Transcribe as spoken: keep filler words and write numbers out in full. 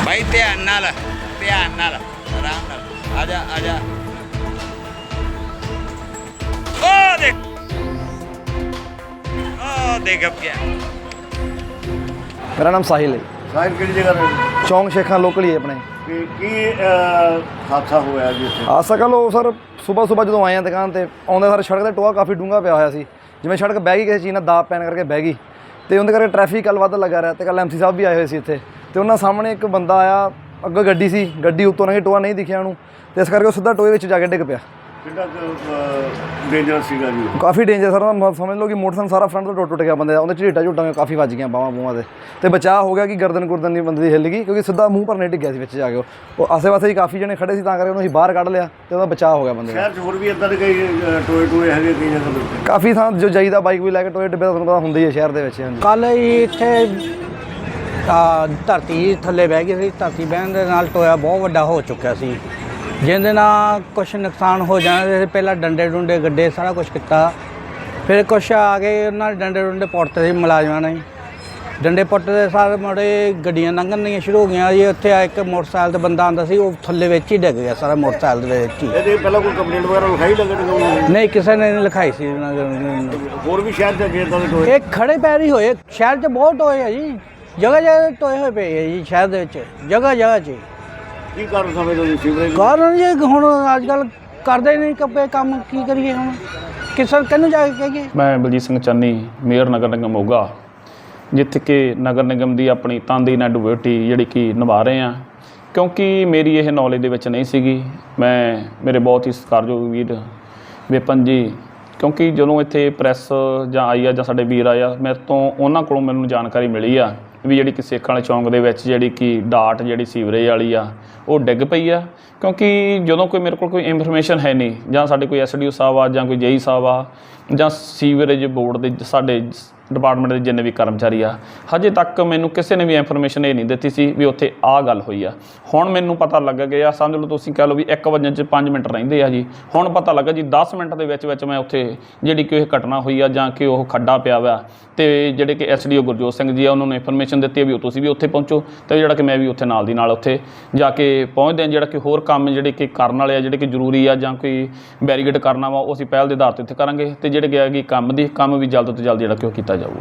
भाई ध्यान नाल ध्यान नाल आराम नाल आजा आजा ओ देख ओ देख अब क्या मेरा नाम साहिल है। साहिल किहड़ी जगह रहंदे? चौंक शेखा लोकल ही है अपने। ਤੇ ਕੀ ਅਹ, ਹਾਦਸਾ ਹੋਇਆ ਜੀ ਇੱਥੇ? ਆ ਸਕਾ ਲੋ ਸਰ ਸਵੇਰ ਸਵੇਰ ਜਦੋਂ ਆਏ ਆ ਦੁਕਾਨ ਤੇ ਆਉਂਦੇ ਸਾਰੇ ਸੜਕ ਤੇ ਟੋਆ ਕਾਫੀ ਡੂੰਘਾ ਪਿਆ ਹੋਇਆ ਸੀ, ਜਿਵੇਂ ਸੜਕ ਬਹਿ ਗਈ ਕਿਸੇ ਚੀਜ਼ ਨਾਲ ਦਾਬ ਪੈਣ ਕਰਕੇ ਬਹਿ ਗਈ ਤੇ ਉਹਦੇ ਕਰਕੇ ਟ੍ਰੈਫਿਕ ਕੱਲ ਵੱਧ ਲੱਗਾ ਰਿਹਾ ਤੇ ਕੱਲ ਐਮਸੀ ਸਾਹਿਬ ਵੀ ਆਏ ਹੋਏ ਸੀ ਇੱਥੇ ਤੇ ਉਹਨਾਂ ਸਾਹਮਣੇ ਇੱਕ ਬੰਦਾ ਆਇਆ, ਅੱਗੇ ਗੱਡੀ ਸੀ, ਗੱਡੀ ਉੱਤੋਂ ਨਹੀਂ ਟੋਆ ਨਹੀਂ ਦਿਖਿਆ ਉਹਨੂੰ ਤੇ ਇਸ ਕਰਕੇ ਉਹ ਸਿੱਧਾ ਟੋਏ ਵਿੱਚ ਜਾ ਕੇ ਡਿੱਗ ਪਿਆ। ਕਿੰਨਾ ਡੇਂਜਰਸ ਸੀਗਾ ਜੀ? ਕਾਫੀ ਡੇਂਜਰ ਸਰ, ਸਮਝ ਲਓ ਕਿ ਮੋਟਰਸਾਈਕਲ ਸਾਰਾ ਫਰੰਟ ਤੋਂ ਟੁੱਟ ਟੁੱਟ ਗਿਆ ਬੰਦੇ ਦਾ, ਉਹਦੇ ਝੀਟਾਂ ਝੂਟਾਂ ਕਾਫੀ ਵੱਜ ਗਈਆਂ ਬਾਹਾਂ ਬੂਹਾਂ ਦੇ ਤੇ ਬਚਾਅ ਹੋ ਗਿਆ ਕਿ ਗਰਦਨ ਗੁਰਦਨ ਨਹੀਂ ਬੰਦੇ ਦੀ ਹਿੱਲ ਗਈ ਕਿਉਂਕਿ ਸਿੱਧਾ ਮੂੰਹ ਪਰ ਨਹੀਂ ਡਿੱਗਿਆ ਸੀ ਵਿੱਚ ਜਾ ਕੇ। ਉਹ ਆਸੇ ਪਾਸੇ ਹੀ ਕਾਫੀ ਜਣੇ ਖੜੇ ਸੀ ਤਾਂ ਕਰਕੇ ਉਹਨੂੰ ਅਸੀਂ ਬਾਹਰ ਕੱਢ ਲਿਆ ਤੇ ਉਹਦਾ ਬਚਾਅ ਹੋ ਗਿਆ ਬੰਦੇ ਦਾ। ਸ਼ਹਿਰ 'ਚ ਹੋਰ ਵੀ ਇੱਦਾਂ ਦੇ ਕਈ ਅਹ, ਟੋਏ ਟੋਏ ਹੈਗੇ ਕਈ ਜਗ੍ਹਾ ਤੇ? ਕਾਫੀ ਥਾਂ ਜੋ ਜਾਈਦਾ ਬਾਈਕ ਵੀ ਲੈ ਕੇ ਟੋਏ ਡਿੱਬੇ ਤਾਂ ਤੁਹਾਨੂੰ ਪਤਾ ਹੁੰਦੀ ਹੈ ਸ਼ਹਿਰ ਦੇ ਵਿੱਚ। ਹਾਂਜੀ ਕੱਲ ਇੱਥੇ ਆ ਧਰਤੀ ਥੱਲੇ ਬਹਿ ਗਈ ਸੀ, ਧਰਤੀ ਬਹਿਣ ਦੇ ਨਾਲ ਟੋਇਆ ਬਹੁਤ ਵੱਡਾ ਹੋ ਚੁੱਕਿਆ ਸੀ ਜਿਹਦੇ ਨਾਲ ਕੁਛ ਨੁਕਸਾਨ ਹੋ ਜਾਣਾ। ਪਹਿਲਾਂ ਡੰਡੇ ਡੁੰਡੇ ਗੱਡੇ ਸਾਰਾ ਕੁਛ ਕੀਤਾ, ਫਿਰ ਕੁਛ ਆ ਗਏ ਉਹਨਾਂ ਦੇ ਡੰਡੇ ਡੁੰਡੇ ਪੁੱਟਦੇ ਸੀ ਮੁਲਾਜ਼ਮਾਂ ਨੇ, ਡੰਡੇ ਪੁੱਟਦੇ ਸਾਰੇ ਮੁੜੇ ਗੱਡੀਆਂ ਲੰਘਣੀਆਂ ਸ਼ੁਰੂ ਹੋ ਗਈਆਂ ਜੀ। ਉੱਥੇ ਆ ਇੱਕ ਮੋਟਰਸਾਈਕਲ ਤੇ ਬੰਦਾ ਆਉਂਦਾ ਸੀ, ਉਹ ਥੱਲੇ ਵਿੱਚ ਹੀ ਡਿੱਗ ਗਿਆ ਸਾਰਾ ਮੋਟਰਸਾਈਕਲ ਦੇ ਵਿੱਚ ਹੀ। ਇਹਦੇ ਪਹਿਲਾਂ ਕੋਈ ਕੰਪਲੇਂਟ ਵਗੈਰਾ ਲਿਖਾਈ ਲੱਗਣ? ਨਹੀਂ ਕਿਸੇ ਨੇ ਨਹੀਂ ਲਿਖਾਈ ਸੀ ਉਹਨਾਂ ਨੇ। ਹੋਰ ਵੀ ਸ਼ਹਿਰ 'ਚ ਅੱਗੇ ਇੱਦਾਂ ਦੇ ਟੋਏ? ਇਹ ਖੜੇ ਪੈਰ ਹੀ ਹੋਏ, ਸ਼ਹਿਰ 'ਚ ਬਹੁਤ ਟੋਏ ਆ ਜੀ, ਜਗ੍ਹਾ ਜਗ੍ਹਾ ਟੋਏ ਹੋਏ ਪਏ ਆ ਜੀ ਸ਼ਹਿਰ ਦੇ ਵਿੱਚ, ਜਗ੍ਹਾ ਜਗ੍ਹਾ 'ਚ। ਕੀ ਕਾਰਨ ਸਮਝਦੇ ਹੋ ਸੀਵਰੇਜ? ਕਾਰਨ ਜੀ ਹੁਣ ਅੱਜ ਕੱਲ੍ਹ ਕਰਦੇ ਨਹੀਂ ਕੱਪੇ ਕੰਮ, ਕੀ ਕਰੀਏ ਹੁਣ, ਕਿਸੇ ਕਿਹਨੂੰ ਜਾ ਕੇ ਕਹੀਏ। ਮੈਂ ਬਲਜੀਤ ਸਿੰਘ ਚੰਨੀ, ਮੇਅਰ ਨਗਰ ਨਿਗਮ ਮੋਗਾ, ਜਿੱਥੇ ਕਿ ਨਗਰ ਨਿਗਮ ਦੀ ਆਪਣੀ ਤਨਦੇਹੀ ਨਾਲ ਡਿਊਟੀ ਜਿਹੜੀ ਕਿ ਨਿਭਾ ਰਹੇ ਹਾਂ ਕਿਉਂਕਿ ਮੇਰੀ ਇਹ ਨੌਲੇਜ ਦੇ ਵਿੱਚ ਨਹੀਂ ਸੀਗੀ। ਮੈਂ ਮੇਰੇ ਬਹੁਤ ਹੀ ਸਤਿਕਾਰਯੋਗ ਵੀਰ ਵਿਪਨ ਜੀ, ਕਿਉਂਕਿ ਜਦੋਂ ਇੱਥੇ ਪ੍ਰੈਸ ਜਾਂ ਆਈ ਆ ਜਾਂ ਸਾਡੇ ਵੀਰ ਆਇਆ ਮੇਰੇ ਤੋਂ ਉਹਨਾਂ ਕੋਲੋਂ ਮੈਨੂੰ ਜਾਣਕਾਰੀ ਮਿਲੀ ਆ ਵੀ ਜਿਹੜੀ ਕਿ ਸੇਖਾਂ ਵਾਲੇ ਚੌਂਕ ਦੇ ਵਿੱਚ ਜਿਹੜੀ ਕਿ ਡਾਟ ਜਿਹੜੀ ਸੀਵਰੇਜ ਵਾਲੀ ਆ ਉਹ ਡਿੱਗ ਪਈ ਆ। ਕਿਉਂਕਿ ਜਦੋਂ ਕੋਈ ਮੇਰੇ ਕੋਲ ਕੋਈ ਇਨਫੋਰਮੇਸ਼ਨ ਹੈ ਨਹੀਂ ਜਾਂ ਸਾਡੇ ਕੋਈ ਐਸ ਡੀ ਓ ਸਾਹਿਬ ਆ ਜਾਂ ਕੋਈ ਜੇਈ ਸਾਹਿਬ ਆ ਜਾਂ ਸੀਵਰੇਜ ਬੋਰਡ ਦੇ ਸਾਡੇ ਡਿਪਾਰਟਮੈਂਟ ਦੇ ਜਿੰਨੇ ਵੀ ਕਰਮਚਾਰੀ ਆ, ਹਜੇ ਤੱਕ ਮੈਨੂੰ ਕਿਸੇ ਨੇ ਵੀ ਇਨਫੋਰਮੇਸ਼ਨ ਇਹ ਨਹੀਂ ਦਿੱਤੀ ਸੀ ਵੀ ਉੱਥੇ ਆਹ ਗੱਲ ਹੋਈ ਆ। ਹੁਣ ਮੈਨੂੰ ਪਤਾ ਲੱਗ ਗਿਆ, ਸਮਝ ਲਓ ਤੁਸੀਂ ਕਹਿ ਲਓ ਵੀ ਇੱਕ ਵਜੇ 'ਚ ਪੰਜ ਮਿੰਟ ਰਹਿੰਦੇ ਆ ਜੀ, ਹੁਣ ਪਤਾ ਲੱਗਾ ਜੀ ਦਸ ਮਿੰਟ ਦੇ ਵਿੱਚ ਵਿੱਚ ਮੈਂ ਉੱਥੇ ਜਿਹੜੀ ਕਿ ਇਹ ਘਟਨਾ ਹੋਈ ਆ ਜਾਂ ਕਿ ਉਹ ਖੱਡਾ ਪਿਆ ਵਾ ਅਤੇ ਜਿਹੜੇ ਕਿ S D O Gurjot Singh ji ਆ ਉਹਨਾਂ ਨੂੰ ਇਨਫੋਰਮੇਸ਼ਨ ਦਿੱਤੀ ਵੀ ਤੁਸੀਂ ਵੀ ਉੱਥੇ ਪਹੁੰਚੋ ਅਤੇ ਜਿਹੜਾ ਕਿ ਮੈਂ ਵੀ ਉੱਥੇ ਨਾਲ ਦੀ ਨਾਲ ਉੱਥੇ ਜਾ ਕੇ ਪਹੁੰਚਦੇ ਹਾਂ। ਜਿਹੜਾ ਕਿ ਹੋਰ ਕੰਮ ਜਿਹੜੇ ਕਿ ਕਰਨ ਵਾਲੇ ਆ, ਜਿਹੜੇ ਕਿ ਜ਼ਰੂਰੀ ਆ ਜਾਂ ਕੋਈ ਬੈਰੀਗੇਡ ਕਰਨਾ ਵਾ, ਉਹ ਅਸੀਂ ਪਹਿਲ ਦੇ ਆਧਾਰ 'ਤੇ ਉੱਥੇ ਕਰਾਂਗੇ ਅਤੇ ਜਿਹੜੇ ਕਿ ਹੈਗੀ ਕੰਮ ਦੀ ਕੰਮ ਵੀ ਜਲਦ ਤੋਂ ਜਲਦ ਜਿਹੜਾ ਕਿ ਉਹ ਕੀਤਾ ਜਾਊਗਾ।